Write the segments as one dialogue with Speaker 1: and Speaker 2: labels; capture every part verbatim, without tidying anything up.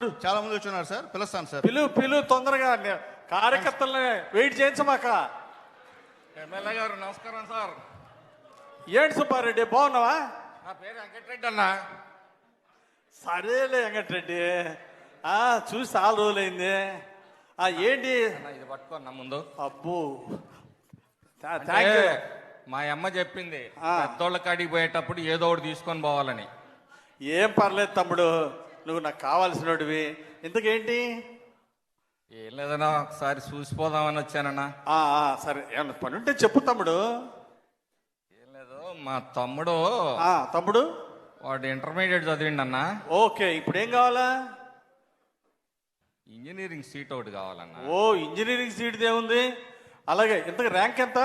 Speaker 1: చాలా మంది వచ్చున్నారు సార్, పిలుస్తాను సార్.
Speaker 2: పిలు పిలు తొందరగా కార్యకర్తల్ని వెయిట్ చేయించమాక.
Speaker 3: ఎమ్మెల్యే గారు నమస్కారం సార్.
Speaker 2: ఏంటి సుబ్బారెడ్డి బాగున్నావా?
Speaker 3: నా పేరు వెంకటరెడ్డి అన్న.
Speaker 2: సరేలే వెంకటరెడ్డి, ఆ చూసి చాలా రోజులైంది. ఆ ఏంటి
Speaker 3: అన్న, ఇది పట్టుకోన్న ముందు.
Speaker 2: అబ్బో
Speaker 3: అంటే
Speaker 2: థ్యాంక్ యూ.
Speaker 3: మా అమ్మ చెప్పింది
Speaker 2: ఆ.
Speaker 3: పెద్దోళ్ళ కాడికి పోయేటప్పుడు ఏదో ఒకటి తీసుకొని పోవాలని.
Speaker 2: ఏం పర్లేదు తమ్ముడు, నువ్వు నాకు కావాల్సినోడివి. ఇంతకేంటి?
Speaker 3: ఏం లేదన్నా, ఒకసారి చూసిపోదామని వచ్చానన్నా.
Speaker 2: ఆ, ఆ, సరే ఏమన్నా పని ఉంటే చెప్పు తమ్ముడు.
Speaker 3: ఏం లేదు, మా తమ్ముడు
Speaker 2: ఆ తమ్ముడు
Speaker 3: వాడు ఇంటర్మీడియట్ చదివిండి అన్న.
Speaker 2: ఓకే, ఇప్పుడు ఏం కావాలా?
Speaker 3: ఇంజనీరింగ్ సీట్ ఒకటి కావాలన్నా.
Speaker 2: ఓ ఇంజనీరింగ్ సీట్ ఏముంది? అలాగే ఇంతకు ర్యాంక్ ఎంత?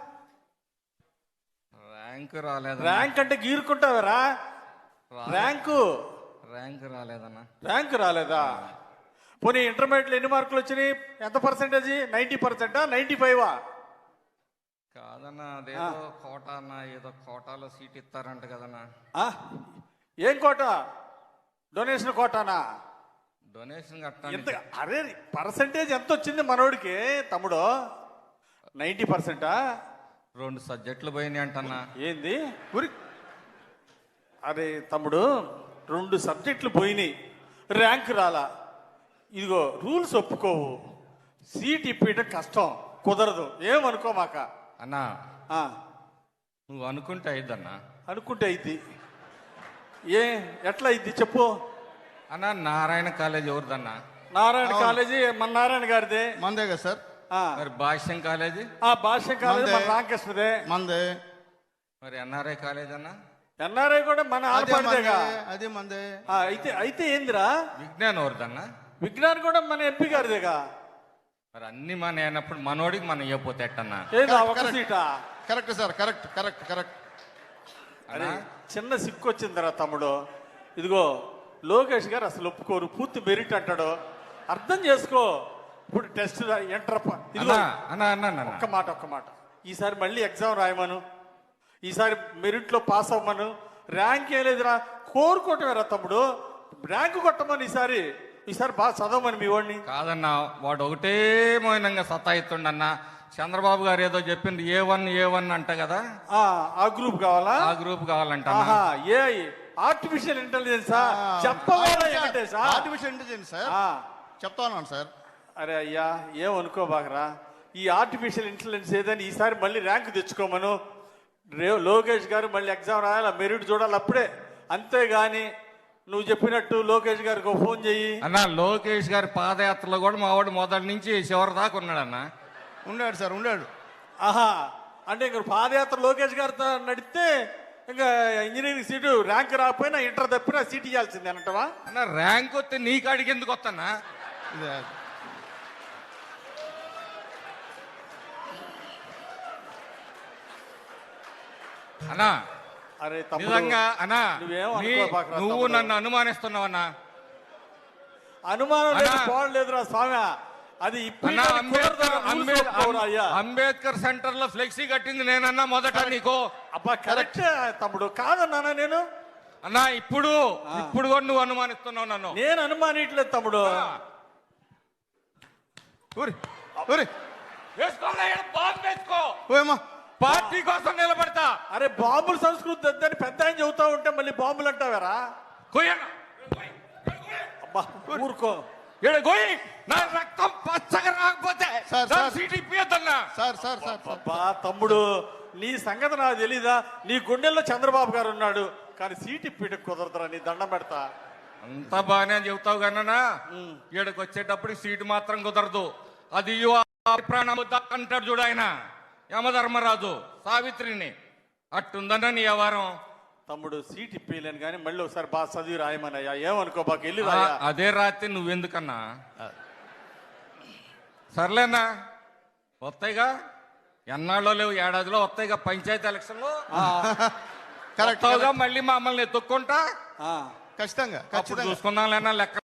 Speaker 3: ర్యాంక్ రాలేదు.
Speaker 2: ర్యాంక్ అంటే గీరుకుంటావరా? ర్యాంకు
Speaker 3: ర్యాంక్ రాలేదన్నా.
Speaker 2: ర్యాంక్ రాలేదా? పోనీ ఇంటర్మీడియట్లో ఎన్ని మార్కులు వచ్చినాయి? ఎంత పర్సెంటేజ్? నైంటీ పర్సెంటా నైంటీ ఫైవా?
Speaker 3: కాదన్నా, అదేదో కోటా అన్న, ఏదో కోటాలో సీట్ ఇస్తారంట కదన్నా.
Speaker 2: ఏం కోట? డొనేషన్ కోటానా?
Speaker 3: డొనేషన్
Speaker 2: ఎంత?
Speaker 3: కట్టాలి.
Speaker 2: అరే పర్సెంటేజ్ ఎంత వచ్చింది మనోడికి తమ్ముడు? నైంటీ పర్సెంటా?
Speaker 3: రెండు సబ్జెక్టులు పోయినాయి అంటన్నా.
Speaker 2: ఏంది ఉరి? అరే తమ్ముడు, రెండు సబ్జెక్టులు పోయినాయి, ర్యాంక్ రాలా. ఇదిగో రూల్స్ ఒప్పుకోవు, సీట్ ఇప్పేయటం కష్టం, కుదరదు. ఏమనుకోమాక
Speaker 3: అన్నా.
Speaker 2: ఆ,
Speaker 3: నువ్వు అనుకుంటే అయిద్దన్నా.
Speaker 2: అనుకుంటే అయింది. ఏ ఎట్లా అయింది చెప్పు.
Speaker 3: అన్నా, నారాయణ కాలేజ్ ఎవరిదన్నా?
Speaker 2: నారాయణ కాలేజీ మన నారాయణ గారిదే.
Speaker 1: మందే కదా సార్.
Speaker 2: ఆ,
Speaker 3: మరి భాష్యం కాలేజీ?
Speaker 2: ఆ భాష్యం కాలేజీ మన
Speaker 1: మందే.
Speaker 2: రామకృష్ణదే.
Speaker 1: మందే.
Speaker 3: మరి ఎన్ఆర్ఐ కాలేజ్ అన్నా?
Speaker 2: ఎన్ఆర్ఐ కూడా మన
Speaker 1: అదే మందే,
Speaker 2: ఆడపడిదేగా.
Speaker 1: అదే మందే.
Speaker 2: ఆ, అయితే అయితే ఏందిరా?
Speaker 3: విజ్ఞానం ఎవరిదన్నా?
Speaker 2: విజ్ఞాన్ కూడా మన ఎంపీ గారిదేగా.
Speaker 3: మరి అన్ని మన అయినప్పుడు మనోడికి మనం ఇవ్వపోతే ఎట్టన్నా?
Speaker 2: ఏదా ఒక
Speaker 1: కరెక్ట్.
Speaker 2: సీటా?
Speaker 1: Correct sir, correct correct correct.
Speaker 2: అరే
Speaker 3: అన్నా,
Speaker 2: చిన్న సిక్కు వచ్చిందిరా తమ్ముడు. ఇదిగో లోకేష్ గారు అసలు ఒప్పుకోరు, పూర్తి మెరిట్ అంటాడు. అర్థం చేసుకో. ఇప్పుడు టెస్ట్ ఎంటర్ ఇదిగో
Speaker 3: అన్నా అన్నా అన్నా అన్నా.
Speaker 2: ఒక్క మాట ఒక్క మాట ఈసారి మళ్ళీ ఎగ్జామ్ రాయమను, ఈసారి మెరిట్లో పాస్ అవ్వమను. ర్యాంక్ ఏం లేదురా, కోరుకోవటమేరా తమ్ముడు. ర్యాంక్ కొట్టమని ఈసారి ఈసారి బాగా చదవమని మీ వాడిని.
Speaker 3: కాదన్నా, వాడు ఒకటే మౌనంగా సతాయిస్తుండన్నా. చంద్రబాబు గారు ఏదో చెప్పింది ఏ వన్ ఏ వన్ అంట కదా.
Speaker 2: ఆ, ఆ గ్రూప్ కావాలా?
Speaker 3: ఆ గ్రూప్ కావాలంట.
Speaker 2: ఆహా, ఏ ఆర్టిఫిషియల్ ఇంటెలిజెన్సా? చెప్పవాలా వెంకటేశా?
Speaker 1: ఆర్టిఫిషియల్ ఇంటెలిజెన్స్ సార్,
Speaker 2: ఆ,
Speaker 1: చెప్తా ఉన్నాను సార్.
Speaker 2: అరే అయ్యా, ఏమనుకోబాకరా. ఈ ఆర్టిఫిషియల్ ఇంటెలిజెన్స్ ఏదని ఈసారి మళ్ళీ ర్యాంక్ తెచ్చుకోమను. రే లోకేష్ గారు మళ్ళీ ఎగ్జామ్ రాయాలి, మెరిట్ చూడాలి అప్పుడే. అంతేగాని నువ్వు చెప్పినట్టు లోకేష్ గారికి ఒక ఫోన్ చెయ్యి.
Speaker 3: అన్నా, లోకేష్ గారి పాదయాత్రలో కూడా మా వాడు మొదటి నుంచి చివరి దాకా ఉన్నాడన్నా.
Speaker 1: ఉన్నాడు సార్, ఉన్నాడు.
Speaker 2: ఆహా, అంటే ఇంక పాదయాత్ర లోకేష్ గారితో నడిస్తే ఇంకా ఇంజనీరింగ్ సీటు ర్యాంక్ రాకపోయినా ఇంటర్ తప్పినా సీట్ ఇవ్వాల్సిందే అంటవా?
Speaker 3: అన్న, ర్యాంక్ వస్తే నీ కాడికి ఎందుకు వస్తానా?
Speaker 1: ఇదే.
Speaker 3: అన్నా,
Speaker 2: అరే తమ్ముడు,
Speaker 3: నిజంగా అన్నా,
Speaker 2: నువ్వేం
Speaker 3: నీ-
Speaker 2: అనుకోబాకురా
Speaker 3: నువ్వు
Speaker 2: తమ్ముడు.
Speaker 3: నన్ను అనుమానిస్తున్నావన్నా.
Speaker 2: అనుమానం లేదు,
Speaker 3: అన్నా.
Speaker 2: పోవట్లేదురా స్వామి. అది ఇప్పుడు
Speaker 3: అన్నా, అంబేద్కర్ అంబేద్-
Speaker 2: అయ్యా.
Speaker 3: అంబేద్కర్ సెంటర్ లో ఫ్లెక్సీ కట్టింది నేనన్నా మొదట నీకు.
Speaker 2: అబ్బా కరెక్ట్ తమ్ముడు, కాదన్నానా నేను?
Speaker 3: అన్నా, ఇప్పుడు ఇప్పుడు కూడా నువ్వు అనుమానిస్తున్నావు నన్ను.
Speaker 2: నేను అనుమానిట్లేదు తమ్ముడు.
Speaker 1: ఊరి ఊరి
Speaker 3: వేసుకోలే, ఈడ బాంబు వేసుకో.
Speaker 1: ఓయమ్మా.
Speaker 3: పార్టీ కోసం నిలబడతా.
Speaker 2: అరే బాంబుల సంస్కృతి వద్దని పెద్ద ఆయన చెబుతా ఉంటే మళ్ళీ బాంబులు అంటావారా?
Speaker 3: కొయ్యన్నా.
Speaker 2: అబ్బా ఊరుకో.
Speaker 3: ఈడ కొయ్యి. నా రక్తం పచ్చగా రాకపోతే
Speaker 1: సార్,
Speaker 3: నా
Speaker 1: సార్.
Speaker 3: సీట్ ఇప్పియద్దన్నా.
Speaker 1: Sir sir sir sir.
Speaker 2: అబ్బా తమ్ముడు, నీ సంగతి నాకు తెలీదా? నీ గుండెల్లో చంద్రబాబు గారు ఉన్నాడు, కానీ సీట్ ఇప్పిట కుదరదురా. నీ దండం పెడతా.
Speaker 3: అంత బాగానే చెబుతావు కన్నా, ఈడకి వచ్చేటప్పుడు సీటు మాత్రం కుదరదు. అది ప్రాణం అంటాడు చూడు ఆయన యమధర్మరాజు సావిత్రిని. అట్టుందన్న నీ వ్యవహారం.
Speaker 2: తమ్ముడు సీట్ ఇప్పలేను కానీ మళ్ళీ ఒకసారి బాగా చదివి రాయమనయ్యా. ఏమనుకో బాగా వెళ్ళి
Speaker 3: ఆ,
Speaker 2: రాయా.
Speaker 3: అదే రాత్రి నువ్వెందుకన్నా? సర్లేనా, వస్తాయిగా, ఎన్నాళ్ళో లేవు, ఏడాదిలో వస్తాయిగా పంచాయతీ ఎలక్షన్లో.
Speaker 1: కరెక్ట్.
Speaker 3: మళ్ళీ మమ్మల్ని ఎత్తుక్కుంటా
Speaker 1: ఖచ్చితంగా
Speaker 3: అప్పుడు
Speaker 1: ఖచ్చితంగా
Speaker 3: చూసుకుందాం లేనా లెక్క.